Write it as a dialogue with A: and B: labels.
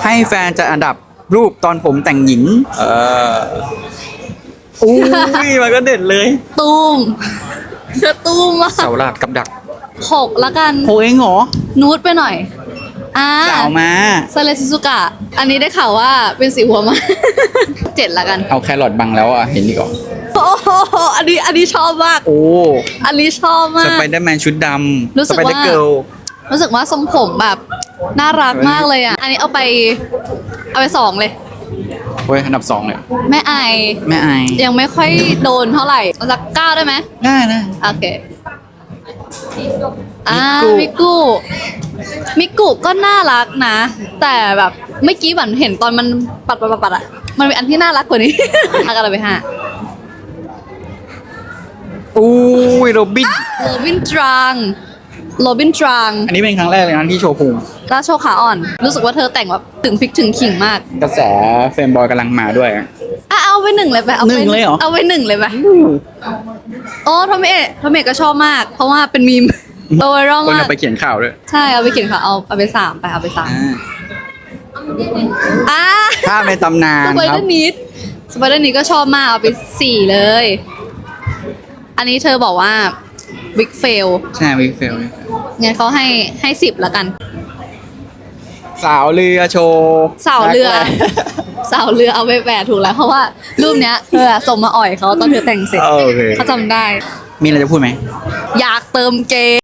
A: ให้แฟนจัดอันดับรูปตอนผมแต่งหญิงอุ้ยมันก็เด็ดเลย
B: ตูมเธอตูมมาก
A: เสาหลักกับดัก
B: 6ละกัน
A: โหเองเหรอ
B: นูดไปหน่อย
A: สาวมา
B: ซาเลซิซุกะอันนี้ได้ข่าวว่าเป็นสีหัวมา 7ละกัน
A: เอาแครอทบังแล้วอ่ะเห็นดีก่อน
B: โอ้โหอันนี้ชอบมาก
A: โอ้
B: อันนี้ชอบมา
A: ส
B: ก
A: ไปเดอร์แมนชุดดำ
B: รู้สึกว่า
A: สไปเดอร์เกิล
B: รู้สึกว่าทรงผมแบบน่ารักมากเลยอ่ะ อันนี้เอาไป2เลย
A: เฮ้ยอันดับ2เลย
B: แม่ไอ
A: แม่ไอ
B: ยังไม่ค่อยโดนเท่าไหร่เอาสัก9ได้ไหม
A: ได้นะ
B: โอเคมิกุก็น่ารักนะ แต่แบบเมื่อกี้เหมือนเห็นตอนมันปัดอ่ะ มันมีอันที่น่ารักกว่านี้ เอากันเลยไป5
A: อุ้ยโรบิน
B: โรบินตรัง
A: อันนี้เป็นครั้งแรกเลยนะที่โชว์ภูมิ
B: ราโชว์ขาอ่อน รู้สึกว่าเธอแต่งแบบถึงพริกถึงขิงมาก
A: กระแสเฟรมบอยกำลังมาด้วย
B: เอาไป1เลยไปเอาไป
A: 1เลยเหรอ
B: เอาไป1เลยไปโอ้ทอมเมก็ชอบมาก เพราะว่าเป็นมีมโตไวรัล
A: คน
B: มาก
A: เอาไปเขียนข่าวด้วย
B: ใช่เอาไปเขียนค่ะเอาไป3ไปเอาไป3
A: ภาพในตำนาน
B: สไป
A: ค
B: เด
A: รั
B: อบ ร์นิดก็ชอบมากเอาไป4เลย อันนี้เธอบอกว่าบิ๊กเฟล
A: ใช่วิกเฟล
B: งั้นเขาให้10ละกัน
A: สาวเรือโชว์
B: สาวเรือเอาไป8ถูกแล้วเพราะว่ารูปเนี้ยเธอส่งมาอ่อยเขาตอนเธอแต่งเสร็จ
A: โอเค
B: เขาจำได้
A: มีอะไรจะพูดไหม
B: อยากเติมเกม